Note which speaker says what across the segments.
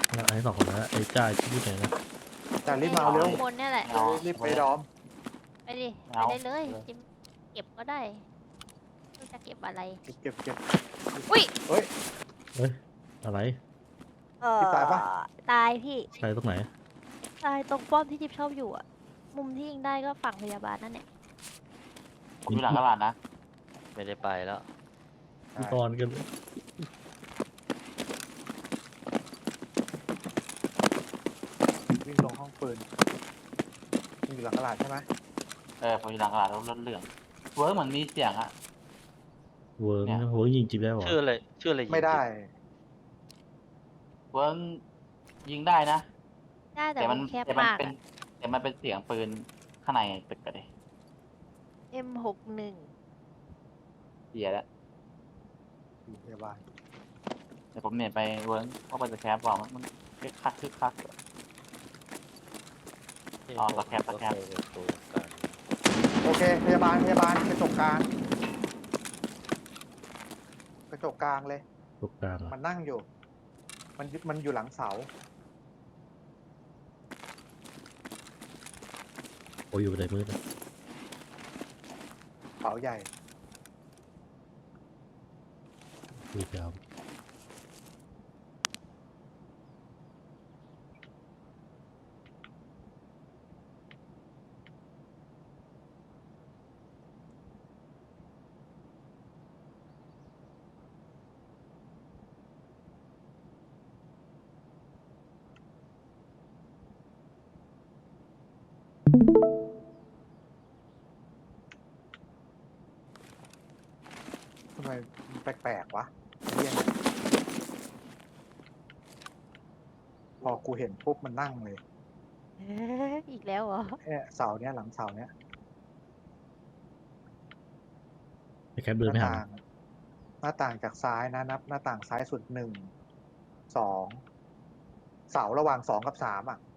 Speaker 1: แล้วไอ้สองคนนั้นไอ้จ้าที่พูดไหนนะ
Speaker 2: จ่ารีบมาเอาเร็ว
Speaker 3: ข้างบนเนี่ยแหละ
Speaker 2: รีบไปดอม
Speaker 3: ไปดิ ไปได้เลยจิมเก็บก็ได้ไม่รู้จะเก็บอะไร
Speaker 2: เก็บ
Speaker 3: อุ้ย
Speaker 2: เฮ้ย
Speaker 1: เฮ้ยอะไร
Speaker 2: พี่ตายปะ
Speaker 3: ตายพี่
Speaker 1: ใครตรงไหน
Speaker 3: ตายตรงป้อมที่จิ๊บชอบอยู่อะมุมที่ยิงได้ก็ฝั่งพยาบาลนั่นแหละ
Speaker 4: ผมอยู่หลังตลาดนะ
Speaker 5: ไม่ได้ไปแล้ว
Speaker 1: มีกรกัน
Speaker 2: วิ่งลงห้องปืนมึงอยู่หลังตลาดใช่ไหม
Speaker 4: ผมอยู่หลังตลาดรถเหลืองเวิร์กเหมือนมีเสียงอะ
Speaker 1: เวิร์ก
Speaker 4: เนี่ย
Speaker 1: เวิร์กยิงจิบได้หรอ
Speaker 5: ชื่ออะไรชื่ออะไรยิง
Speaker 2: ไม่ได้
Speaker 4: เวิร์กยิงได้นะ
Speaker 3: ได้แต่
Speaker 4: แต่มั
Speaker 3: มัน นแคบ
Speaker 4: แต่มัน
Speaker 3: มาก
Speaker 4: เป็น
Speaker 3: อะ
Speaker 4: แต่มันเป็นเสียงปืนข้างในตึกกันเลย
Speaker 3: M61
Speaker 4: เสียแล้ว
Speaker 2: อยู่พยาบาล
Speaker 4: เดี๋ยวผมเนี่ยไปเวิร์กเข้าไปจะแคปบอกมันคึกคัก อ๋อตะแคบ
Speaker 5: ก็เคยเป็นตัวกัน
Speaker 2: โอเคพยาบาลกระจกกลางเลย
Speaker 1: ตกกลาง
Speaker 2: มันนั่งอยู่ มันอยู่หลังเสา
Speaker 1: โอ้ยอยู่ในมืดนะ
Speaker 2: เสาใหญ่
Speaker 1: ดูยาว
Speaker 2: ทำไมมันแปลกๆวะเหี้ยเนี่ยพอกูเห็นปุ๊บมันนั่งเลย
Speaker 3: อีกแล้วเหรอ
Speaker 2: เนี่ยเสาเนี้ยหลังเสาเนี้ย
Speaker 1: ไอ้แคปเดินไม่หา
Speaker 2: หน้าต่างจากซ้ายนะนับหน้าต่างซ้ายสุด1 2เสาระหว่าง2 กับ 3อ่ะ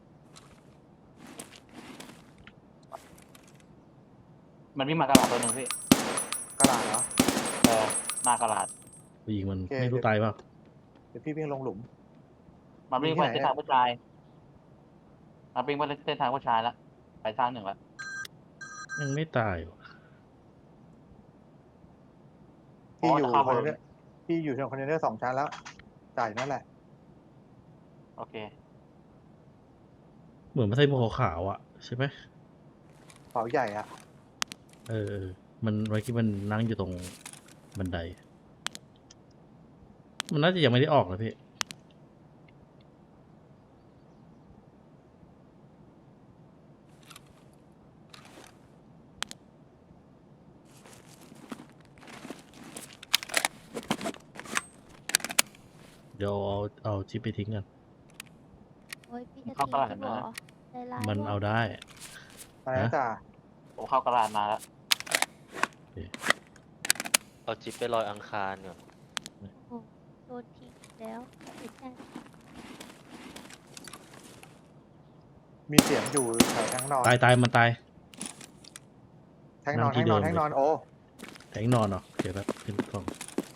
Speaker 4: มันวิ่งมากระดาษตัวหนึ่งพี่
Speaker 2: กระดาษเหรอ
Speaker 4: หน้ากระดาษ
Speaker 1: ผู้หญิงมัน
Speaker 2: โอเค
Speaker 1: ไม่รู้ตายเปล่า
Speaker 2: เดี๋ยวพี่วิ่งลงหลุม
Speaker 4: มันวิ่งไป
Speaker 2: วิ่งที่
Speaker 4: เส้น
Speaker 2: ไหน
Speaker 4: ทางผู้ชายมันวิ่งไปเส้นทางผู้ชายแล้วไปสร้างหนึ่งแล้ว
Speaker 1: ยังไม่ตายว่ะ
Speaker 2: พี่อยู่
Speaker 4: เข้า
Speaker 2: คอน
Speaker 4: บ
Speaker 2: เทนเนอร์พี่อยู่ในคอนเทนเนอร์2 ชั้นแล้วจ่ายนั่นแหละ
Speaker 4: โอเค
Speaker 1: เหมือนมันใส่หมวกขาวๆอ่ะใช่ไหม
Speaker 2: เสาใหญ่อ่ะ
Speaker 1: เออมันไว้ที่มันนั่งอยู่ตรงบันได มันน่าจะยังไม่ได้ออกนะพี่เดี๋ยวเอาชิปไปทิ้งกัน
Speaker 3: โอ้ยพี่จะ
Speaker 4: เข้า
Speaker 3: ทิ้ง
Speaker 4: ตลาด
Speaker 3: ฉันเหรอ
Speaker 4: นะ
Speaker 3: ใจร้าย
Speaker 1: มัน
Speaker 3: ว่ะ
Speaker 1: เอาได้
Speaker 2: อะไรนะจ่า
Speaker 4: ผมเข้ากระดาษมาแล้ว
Speaker 5: เอาจิ๊บไปลอยอังคารก่อน
Speaker 3: โดนทิ้งอีกแล้วเสียใจ
Speaker 2: มีเสียงอยู่แถวแทงนอน
Speaker 1: ตายมันตาย
Speaker 2: แทงนอน
Speaker 1: นั่งที่
Speaker 2: แทงนอน
Speaker 1: เดิม
Speaker 2: โอ้
Speaker 1: แทงนอนเหรอเดี๋ยวแบบขึ้นกล่อง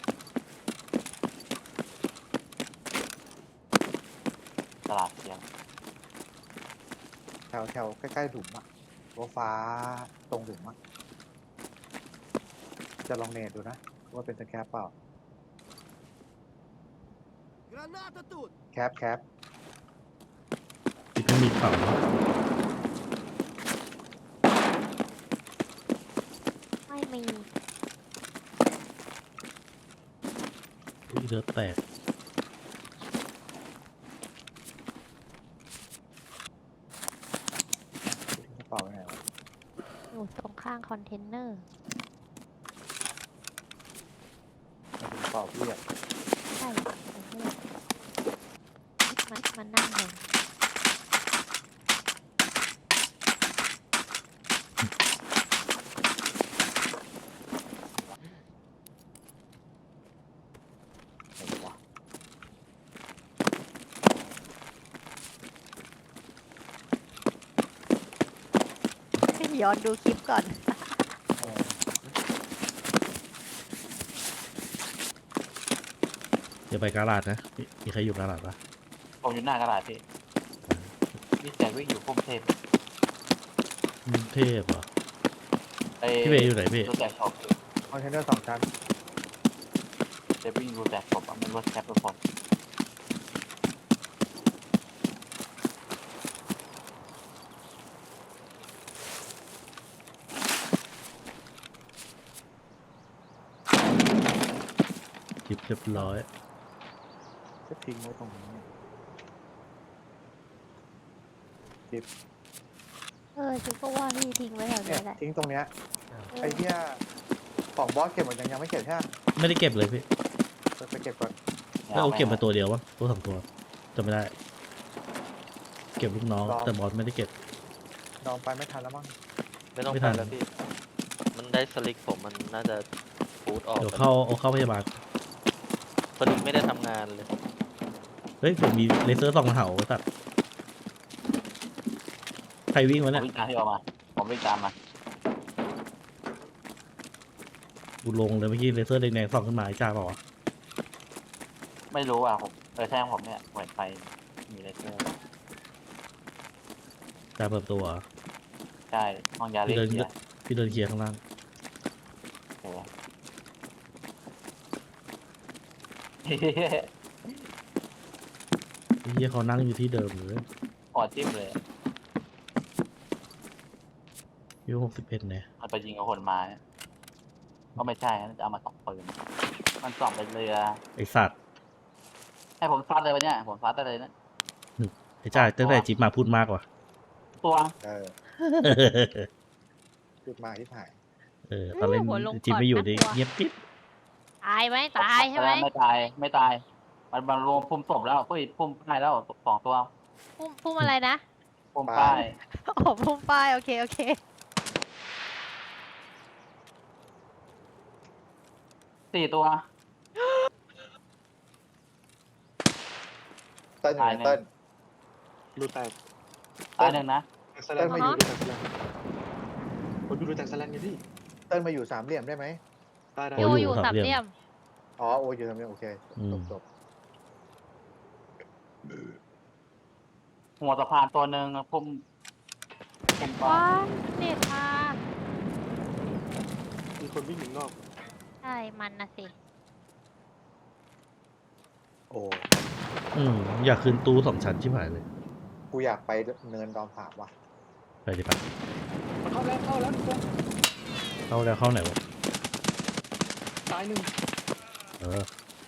Speaker 4: ตลาดเสียง
Speaker 2: แถวใกล้ๆหลุมอ่ะตัวฟ้าตรงหลุมอ่ะจะลองเนตดูนะว่าเป็นสแคปเปล่า แคป
Speaker 1: ที่ไม่มีเข่าเนอะ
Speaker 3: ไม่มี
Speaker 1: อุ๊ยเลือดแตก
Speaker 2: กระเป๋าไงวะ
Speaker 3: อยู่ตรงข้างคอนเทนเนอร์
Speaker 2: กระเป๋าพี่อ่ะ
Speaker 3: ใช่คอนเทนเนอร์มันนั่งเลย
Speaker 2: ไหนวะ
Speaker 3: ย้อนดูคลิปก่อน
Speaker 2: เออ
Speaker 1: อย่าไปกาลาดนะมีใครอยู่กาลาดปะ
Speaker 4: ผมอยู่หน้ากระดาษพี่มีเสียงวิ่งอยู่พุ่มเทพ
Speaker 1: เทพเหรอ
Speaker 4: ไอ้
Speaker 1: พี่เบย์อยู่ไหนพี่
Speaker 4: รถแจกช็อป
Speaker 2: คอนเทนเนอร์2 ชั้น
Speaker 4: เดวิ่งรถแจกช็อปอะมันรถแคปทุกคน
Speaker 1: จิบเรียบร้อย
Speaker 2: จะทิ้งไว้ตรงนี้
Speaker 3: ฉันก็ว่าพี่ทิ้งไว้แถว
Speaker 2: เนี่
Speaker 3: นี้
Speaker 2: ย
Speaker 3: แหละ
Speaker 2: ทิ้งตรงเนี้ย
Speaker 3: เออ
Speaker 2: ไอ้เหี้ยของบอสเก็บหมดยังไม่เก็บใช่ไหม
Speaker 1: ไม่ได้เก็บเลยพี่
Speaker 2: ไปเก็บก่อน
Speaker 1: ก็เอาเก็บมาตัวเดียววะตัวสองตัวจำไม่ได้ เก็บลูกน้องแต่บอสไม่ได้เก็บ
Speaker 2: ลองไปไม่ทันแล้วมั้ง
Speaker 5: ไม่ต้อง
Speaker 1: ไม่
Speaker 5: ไป
Speaker 1: ทัน
Speaker 5: แล้วพี่ มันได้สลิกผมมันน่าจะฟูดออก
Speaker 1: เดี๋ยว
Speaker 5: ไป
Speaker 1: เอาเข้าพยาบาล
Speaker 5: สลิกไม่ได้ทำงานเลย
Speaker 1: เฮ้ยผมมีเลเซอร์ส่องเหาสัตว์ใครวิ่ง
Speaker 4: ผ
Speaker 1: วะ
Speaker 4: ม
Speaker 1: เนี่ย
Speaker 4: วิ่งตามที่ออกมาผมวิ่งตามมา
Speaker 1: กูลงเลยเมื่อกี้เลเซอร์แดงๆส่องขึ้นมาไอ้จ้าเปล่าวะ
Speaker 4: ไม่รู้อ่ะผมแท่งผมเนี่ยเหมือนไฟมีเลเซอร์
Speaker 1: จ้าเปิดตัวเหรอ
Speaker 4: ใช่ห้องยาเล็ก
Speaker 1: พี่เดินเคลียร์ข้างล่าง
Speaker 4: โอ้โห
Speaker 1: ไอ้เหี้ยเขานั่งอยู่ที่เดิมเลย
Speaker 4: ปอดจิ้มเลย
Speaker 1: อายุ61เนี่ย
Speaker 4: มันไปยิงกับคนมาเนี่ยก็ไม่ใช่นะจะเอามาส่องปืนมันส่องเป็นเรือ
Speaker 1: ไอ้สัตว์
Speaker 4: ให้ผมซัดเลยวะเนี่ยผมซัดได้เลยนะ
Speaker 1: ไอ้จ้าตั้งแต่จิ๊บมาพูดมากว่ะ
Speaker 4: ตัว
Speaker 2: จุดมาที่ถ่าย
Speaker 1: ตอนเล่น
Speaker 3: หัวลง
Speaker 1: จิ๊บ
Speaker 3: ก่อน
Speaker 1: ไม่อยู่
Speaker 3: น่าก
Speaker 1: ดิ
Speaker 3: ลัว
Speaker 1: เงียบปิ๊บ
Speaker 3: ตายไหมตายใช่ไหม
Speaker 4: ไม่ตายไม่ตาย มันรวมพุ่มศพแล้วเฮ้ยพุ่มป้ายแล้ว2 ตัว
Speaker 3: พุ่มอะไรนะ
Speaker 4: พุ่มป้าย
Speaker 3: โอ้พุ่มป้ายโอเคโอเค
Speaker 4: 4 ตัว
Speaker 2: เติ้ลอยู่ไหนเติ้ล
Speaker 6: รูแตก
Speaker 4: ตายหนึ่งนะ
Speaker 6: แตกสแลน
Speaker 2: เติ้ลมาอยู่
Speaker 6: รูแตกสแลนผมดูรูแตกสแลนไงพี่
Speaker 2: เติ้ลมาอยู่สามเหลี่ยมได้ไหม
Speaker 6: ได้ได้
Speaker 3: โยอยู่สามเหลี่ยม
Speaker 2: อ๋อโออยู่สามเหลี่ยมโอเคจบ
Speaker 4: หัวสะพานตัวหนึ่งพุ่มป้า
Speaker 3: ว้าย เน็ตมา
Speaker 6: มีคนวิ่งอยู่นอก
Speaker 3: ใช่มันนะสิ
Speaker 2: โอ้
Speaker 1: อยากขึ้นตู้2 ชั้นชิบหายเลย
Speaker 2: กูอยากไปเนินดอมผาบว่ะ
Speaker 1: ไปดิปะ
Speaker 6: มันเข้าแล้วทุกคน
Speaker 1: เข้าแล้วเข้าไหนวะ
Speaker 6: ตายหนึ่ง
Speaker 1: เออ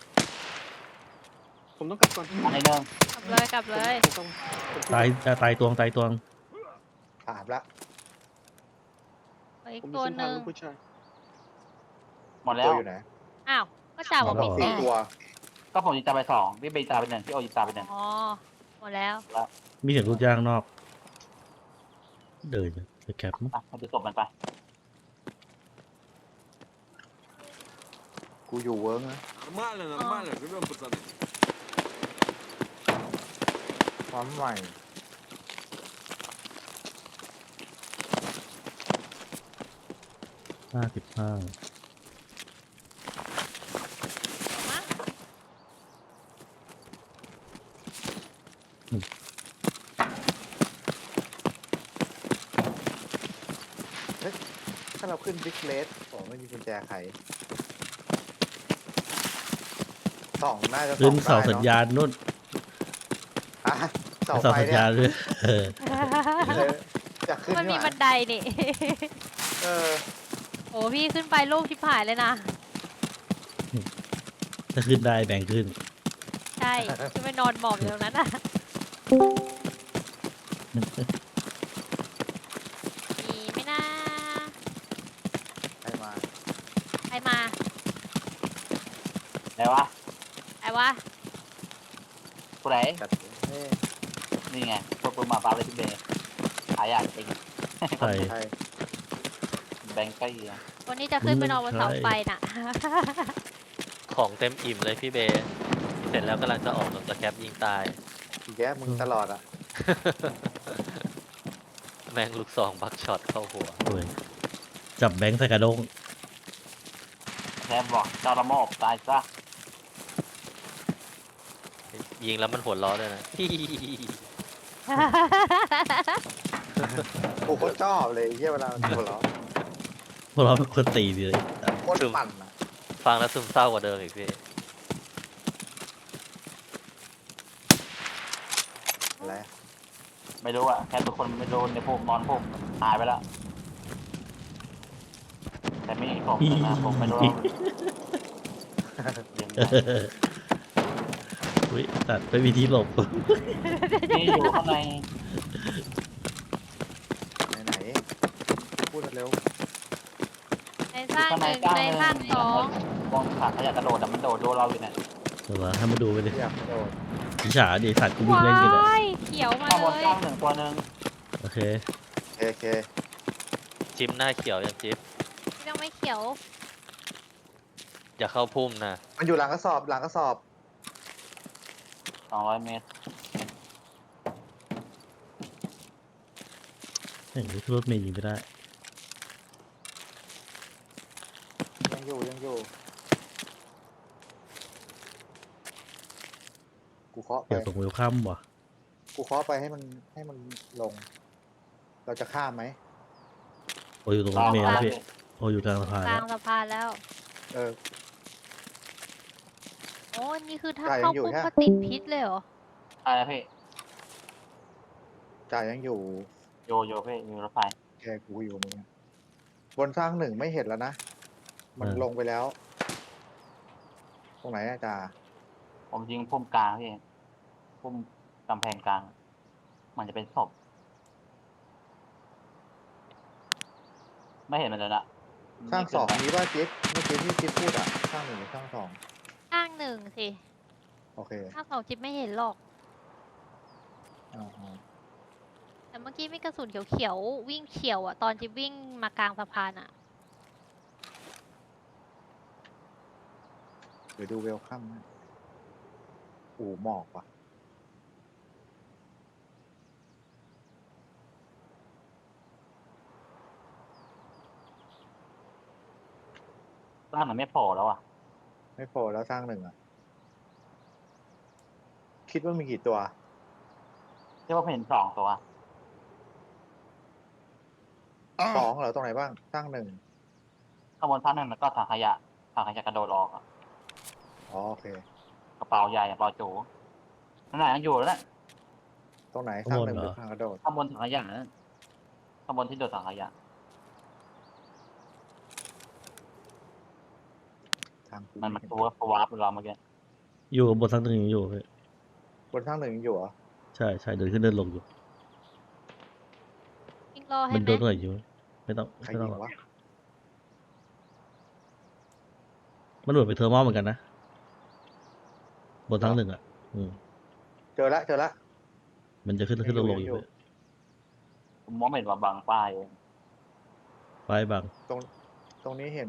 Speaker 6: ผมต้องกลับก่อน
Speaker 4: อันไหนหนึ่ง
Speaker 3: กลับเลย
Speaker 6: ผมต้อง
Speaker 1: ตายตวง
Speaker 2: ถามละ
Speaker 3: อีก
Speaker 6: ผมมี
Speaker 3: ตัว
Speaker 6: เส้น
Speaker 3: ห
Speaker 6: ทาง
Speaker 3: นึ่ง
Speaker 6: ลูกผู้ชาย
Speaker 4: หมดแล้
Speaker 2: ตัว วอยู่ไหน
Speaker 3: อ้าวก็จ่าบอก
Speaker 1: หมด
Speaker 3: มี
Speaker 1: แล้วเหรอ
Speaker 3: 4
Speaker 2: ตัว
Speaker 4: ก็ผมยิงตาไป2พี่เบย์ตาไป1พี่โอยิงตาไป1
Speaker 3: อ๋อหมดแล้ว
Speaker 1: มีเสียงรูดย่างนอก เดินไปแคปมั้ง
Speaker 4: อ่ะมันจะศพมันไป
Speaker 2: กูอยู่เวิร์กนะ
Speaker 7: Нормально, нормально, живем, пацаны.
Speaker 2: ความใหม่
Speaker 1: 55
Speaker 2: ถ้าเราขึ้นบิ๊กเลสผมไม่มีกุญแจไขสองน่าจะ
Speaker 1: ขึ้น
Speaker 2: ส่
Speaker 1: เสา
Speaker 2: องได้
Speaker 1: สัญญาณนู่น
Speaker 2: อ่ะเสา
Speaker 1: เสา
Speaker 2: ไฟ
Speaker 1: สัญ
Speaker 2: เนี่
Speaker 1: ญาย ณด้วยเออ
Speaker 2: จะขึ้น
Speaker 3: มันมี
Speaker 2: นี่ห
Speaker 3: บั
Speaker 2: ว่าน
Speaker 3: ไดนี่
Speaker 2: เออ
Speaker 3: โอ้พี่ขึ้นไปลูกชิบหายเลยนะ
Speaker 1: ถ้าขึ้นได้แบ่งขึ้น
Speaker 3: ใช่จะไปนอนหมอบอยู่ตรงนั้นอ่ะ มีไหม่น่า
Speaker 2: ใครมา
Speaker 3: ใครมา
Speaker 4: ไหนวะ
Speaker 3: ใครวะ
Speaker 4: ผู้ไหน
Speaker 2: จัดเฮ้ย
Speaker 4: นี่ไงพวกปืนมาฟ้าเลยพี่เบย์หายากจริง
Speaker 1: ใช่
Speaker 2: ใคร
Speaker 4: แบงค์ใกล้อะ
Speaker 3: วันนี้จะขึ้นไปนอนบนเสาไฟน่ะ
Speaker 5: ของเต็มอิ่มเลยพี่เบย์เสร็จแล้วกำลังจะออกสแคปยิงตาย
Speaker 2: อีกแย่มึงตลอดอ่ะ
Speaker 5: แม่งลูกซองบักช็อตเข้าหัว
Speaker 1: โอ้ยจับแบงค์ใส่กระด้ง
Speaker 4: แทบบอกเจ้าละโมบตายซะ
Speaker 5: ยิงแล้วมันหัวล้อด้วยนะ
Speaker 2: กูก็ชอบเลยไอ้เหี้ยเวลามันหัวเราะ
Speaker 1: พวกเราเป็นคนตีดีเลย
Speaker 2: โคตรปั่นอ่ะ
Speaker 5: ฟังแล้วซึมเศร้ากว่าเดิมอีกพี่
Speaker 2: อะไร
Speaker 4: ไม่รู้อะแค่ทุกคนไม่โดนในพวกนอนพวกหายไปแล้วแต่ไม่ผมนะผมไม่รู้เดี๋ยวนะ
Speaker 1: อุ้ยตัดไปวิธีหลบ
Speaker 4: นี่อยู่ข้างใน
Speaker 2: ไหนพูดเร็ว
Speaker 3: ในสร้างหนึ่งในสร้างสอง
Speaker 4: มองขาขยะกระโดดแต่มันโดดโดนเราอยู่เนี่ย
Speaker 1: เดี๋ยวให้มาดูไปดิ
Speaker 2: อยากโดด
Speaker 1: พิฉาดิสัตว์กูวิ่งเล่นกันเลย
Speaker 3: ว้ายเขียวมา
Speaker 4: ข้างบน
Speaker 3: เลย
Speaker 4: กล้างหนึ่งตัวหนึ่ง
Speaker 1: โอเค
Speaker 2: โอเค
Speaker 5: จิ้มหน้าเขียวยังจิ๊บ
Speaker 3: ยังไม่เขียว
Speaker 5: อย่าเข้าพุ่มนะ
Speaker 2: มันอยู่หลังกระสอบหลังกระสอบ
Speaker 4: 200 เมตร
Speaker 1: เห็นรถเมย์ยิงไม่ได้
Speaker 2: ยังอยู่กูเคาะไป
Speaker 1: เกี่ยวตรงเวลคัมว่ะ
Speaker 2: กูเคาะไปให้มันลง เราจะข้ามไหม
Speaker 1: โออยู่ตรงรถเมย์แล้วพี่โออยู่กลางสะพาน
Speaker 3: ก
Speaker 1: แล้
Speaker 3: ลาว งสะพานแล้ว
Speaker 2: เออ
Speaker 3: โอ้นี่คือถ้า
Speaker 2: จ่ายยั
Speaker 3: เข้าง
Speaker 2: อยู่
Speaker 3: ปุ๊บ
Speaker 2: ใช่ไหม
Speaker 3: ก็ติดพิษเลยเหรอ
Speaker 4: อะไรนะพี่
Speaker 2: จ่ายยังอยู่
Speaker 4: โยพี่มีรถไฟ
Speaker 2: แกกูอยู่มึงอะบนสร้างหนึ่งไม่เห็นแล้วนะ มันลงไปแล้ว ตรงไหนอะจ่า
Speaker 4: ผมยิงพุ่มกลางพี่พุ่มกำแพงกลาง มันจะเป็นศพไม่เห็นมันเลยละ
Speaker 2: สร้างสองนี้ว่าจิ๊บเมื่อกี้ที่จิ๊บพูดอะสร้างหนึ่งหรือสร้างสอง
Speaker 3: สร้างหนึ่งสิ
Speaker 2: โอเค
Speaker 3: สร้างสองจิ๊บไม่เห็นหรอก
Speaker 2: อ่า
Speaker 3: แต่เมื่อกี้มีกระสุนเขียวๆวิ่งเขียวอ่ะตอนจิ๊บวิ่งมากลางสะพานอ่ะ
Speaker 2: เดี๋ยวดูเวลคัมนะอู่หมอกว่ะ
Speaker 4: สร้างมันไม่โผล่แล้วอ่ะ
Speaker 2: ไม่พอแล้วสร้างหนึ่งอะคิดว่ามีกี่ตัว
Speaker 4: เรียกว่าเห็น2 ตัว
Speaker 2: สองเหรอตรงไหนบ้าง สร้างหนึ่ง
Speaker 4: ข้างบนท่านหนึ่งแล้วก็ถังขยะกระโดดออกอะ
Speaker 2: อ๋อโอเค
Speaker 4: กระเป๋าใหญ่กระเป๋าจูนั่นแหละยังอยู่แล้วนะ
Speaker 2: ตรงไหนสร้างหนึ่งหรือทางกระโดด
Speaker 4: ข้างบนถังขยะนั่นข้างบนที่โดดถังขยะ
Speaker 2: ทางกู
Speaker 4: มัน
Speaker 2: ไเห็
Speaker 4: ตัววาร์ปเราเมื่อกี้
Speaker 1: อยู่บนทั้งหนึ่งอยู่พี่
Speaker 2: บนสร้างหนึ่งยังอยู่เหรอ
Speaker 1: ใช่ใช่เดินขึ้นเดินลงอยู่
Speaker 3: วิ่งรอให้
Speaker 1: มัน
Speaker 3: ไหม
Speaker 1: โดนตรงไหนอยู่ไม่ต้อง
Speaker 2: ใคร
Speaker 1: ไม่ต้
Speaker 2: ยิ
Speaker 1: อง
Speaker 2: ง
Speaker 1: หรอก
Speaker 2: วะ
Speaker 1: มันเหมือนไปเทอร์มอลเหมือนกันนะบนทั้งหนึ่งอ่ะ
Speaker 2: เจอละ
Speaker 1: มันจะขึ้นขึ้นลงลงอยู่
Speaker 4: ผมมองไม่เห็นว่าบางป้ายเอง
Speaker 1: ไปบาง
Speaker 2: ตรงนี้เห็น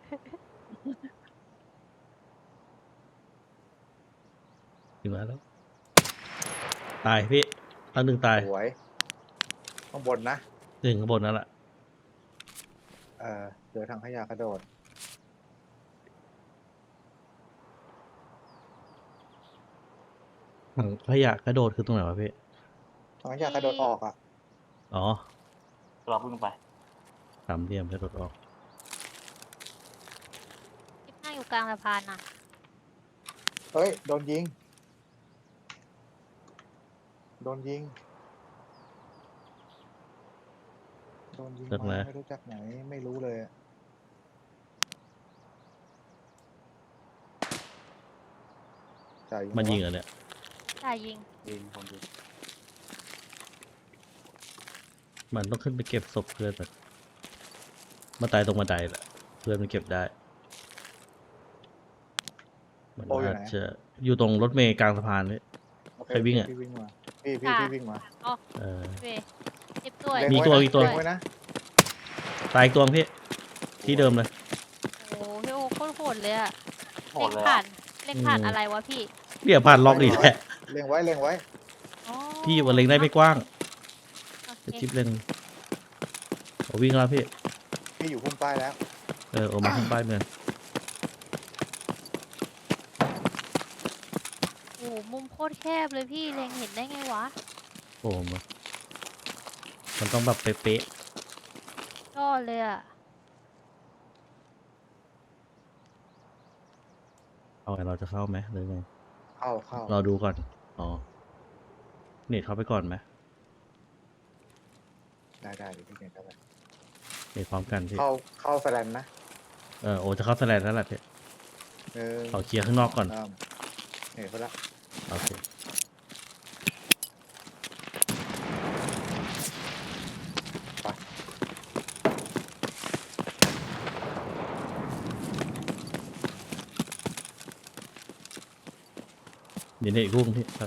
Speaker 1: ถึงมาแล้ว ตายพี่ทั้งหนึ่งตาย
Speaker 2: สวย ข้างบนนะ
Speaker 1: หนึ่งข้างบนนั่นแหละ
Speaker 2: เจอทางขยะกระโดด
Speaker 1: ถังขยะกระโดดคือตรงไหนวะพี่
Speaker 2: ทางขยะกระโดดออกอ่ะ
Speaker 1: อ๋อ
Speaker 4: เราเพิ่งไป
Speaker 1: สามเหลี่ยมกระโดดออก
Speaker 3: จิ๊บนั่งอยู่กลางสะพานน่ะ
Speaker 2: เฮ้ย โดนยิง โดนยิง
Speaker 1: จากไหน
Speaker 2: มาไม่รู้จักไหน ไม่รู้เลยอะจ่าย
Speaker 1: มันยิง
Speaker 2: วะ
Speaker 1: เหรอเนี่ย
Speaker 3: ได้ยิง
Speaker 4: ยิงผมยิง
Speaker 1: มันต้องขึ้นไปเก็บศพเพื่อนมันมาตายตรงบันไดแหละเพื่อนมันเก็บได้ มัน
Speaker 2: โอ้อยู่
Speaker 1: อาจ
Speaker 2: ไหน
Speaker 1: จะอยู่ตรงรถเมล์กลางสะพานเลย
Speaker 2: โอเค
Speaker 1: ใครวิ่งอะ
Speaker 2: พี่วิ่งมา พี่วิ่งมา
Speaker 1: เออ
Speaker 3: เว้ยจิ๊บด้วย
Speaker 1: มีตัว
Speaker 2: เล็งไนะ
Speaker 1: มีตัว
Speaker 2: เล็งไว้นะ
Speaker 1: ตายอีกตัวพี่ ที่เดิมเลย
Speaker 3: โอ้โหพี่โอโคตรโหดเลยอะ
Speaker 4: โห
Speaker 3: เล็
Speaker 4: ด
Speaker 3: ง
Speaker 4: เลย
Speaker 3: ผ่า
Speaker 4: อะ
Speaker 3: นเล็งผ่าน
Speaker 1: อืม
Speaker 3: อะไรวะพี่
Speaker 1: เรียกผ่านล็อกอีกแหละ
Speaker 2: เล็งไว้
Speaker 3: อ๋อ
Speaker 1: พี่วันเล็งได้ไม่กว้าง
Speaker 3: โอเค
Speaker 1: จิ๊บเล็งโอ้วิ่งแล้วพี่
Speaker 2: พี่อยู่พุ่มป้ายแล้ว
Speaker 1: โอมาข้างป้ายเมือง
Speaker 3: โอ้โหมุมโคตรแคบเลยพี่เล็งเห็นได้ไงวะ
Speaker 1: โอ้โหมันต้องแบบเป๊ะ
Speaker 3: ยอดเลยอะ
Speaker 1: ๆเอาไงเราจะเข้าไหมหรือไง
Speaker 2: เข้า
Speaker 1: เราดูก่อน อ๋อ เน็ตเข้าไปก่อนไหม
Speaker 2: ได้เดี๋ยวพี่เน็ตเข้าไป
Speaker 1: เน็ตพร้อมกันพี่
Speaker 2: เข้าแฟลนนะ
Speaker 1: โอจะเข้าสแลนแล้วแหละพี่ เอาเคลียร์ข้างนอกก่อน
Speaker 2: เน็ตเข้าละ
Speaker 1: โอเค เดี๋ยวเน็ตอีกลูกนึงพี่ครับ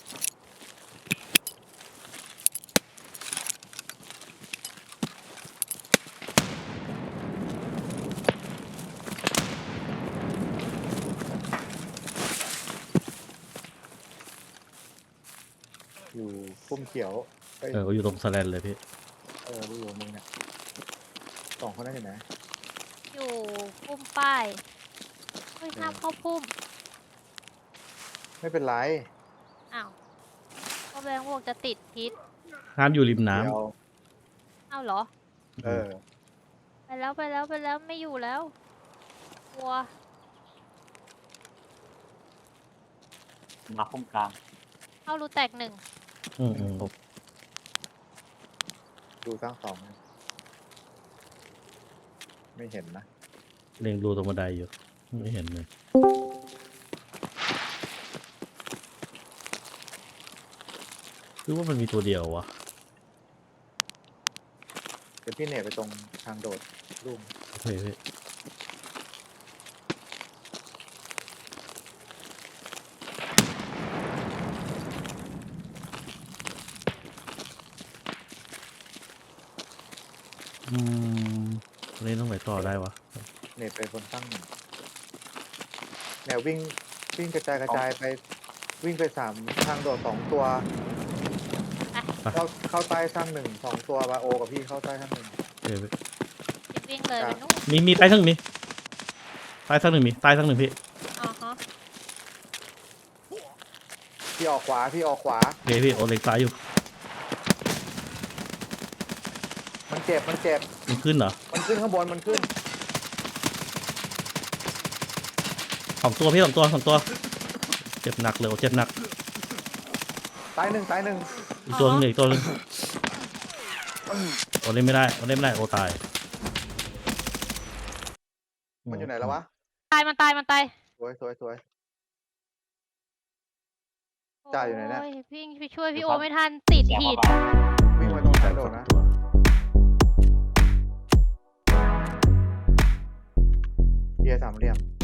Speaker 2: อยู่พุ่มเขียวเอ้ย
Speaker 1: ก็อยู่ตรงสแลนเลยพี่
Speaker 2: อยู่มึงเนี่ยสองคนนั้นอยู่ไหน
Speaker 3: อยู่พุ่มป้ายเฮ้ยห้ามเข้าพุ่ม
Speaker 2: ไม่เป็นไร
Speaker 3: อ้าวก็แบงค์บอกจะติดพิษ
Speaker 1: ห้ามอยู่ริมน้
Speaker 2: เดี๋ยว
Speaker 3: อ้าวเหรอ
Speaker 1: ำ
Speaker 3: ไปแล้วไม่อยู่แล้วกลัว
Speaker 4: มาพุ่มกลาง
Speaker 3: เข้ารูแตก1
Speaker 1: อืม
Speaker 2: ดูสร้างสองไม่เห็นนะ
Speaker 1: เล็งรูตรงบันไดอยู่ ไม่เห็นเลยคือว่ามันมีตัวเดียววะ
Speaker 2: เดี๋ยวพี่เน็ตไปตรงทางโดดลุ่ม
Speaker 1: โอเคพี่ตรงนี้ต้องไหนต่อได้วะ
Speaker 2: เน็ตไปบนตั้งหนึ่งแนววิ่งกระจายไปวิ่งไป3ทางโดด2 ตัวเข้าใต้สร้าง1 2 ตัวบาโอกับพี่เข้าใต้สร้าง1
Speaker 1: โอเคพี่
Speaker 3: วิ่งเลยไปนู่น
Speaker 1: มีใต้ทั้งมีใต้ทั้งหนึ่งมีใต้ทั้งหนึ่งพี่
Speaker 3: อ๋อฮะ
Speaker 2: พี่ออกขวา
Speaker 1: โอเคพี่โอเล็งซ้ายอยู่
Speaker 2: มันเจ็บ
Speaker 1: มันขึ้นเหรอ
Speaker 2: มันขึ้นข้างบนมันขึ้น
Speaker 1: สองตัวพี่สองตัว เจ็บหนักเลยโอเจ็บหนัก
Speaker 2: ตายหนึ่ง
Speaker 1: อีกตัวหนึงอีกตัวหนึงโอเล่นไม่ได้โอตาย
Speaker 2: มันอยู่ไหนแล้ววะ
Speaker 3: มันตาย
Speaker 2: สวยจ่ายอยู่ไหนเนี่ย
Speaker 3: โวิ่งไปช่วยพี่โอไม่ทันติด
Speaker 4: แจก
Speaker 3: หิ
Speaker 4: เข้าน ไป
Speaker 2: วิ่งไปตรงทางโดดนะ
Speaker 1: ตัว
Speaker 2: เคลียร์3 เหลี่ยม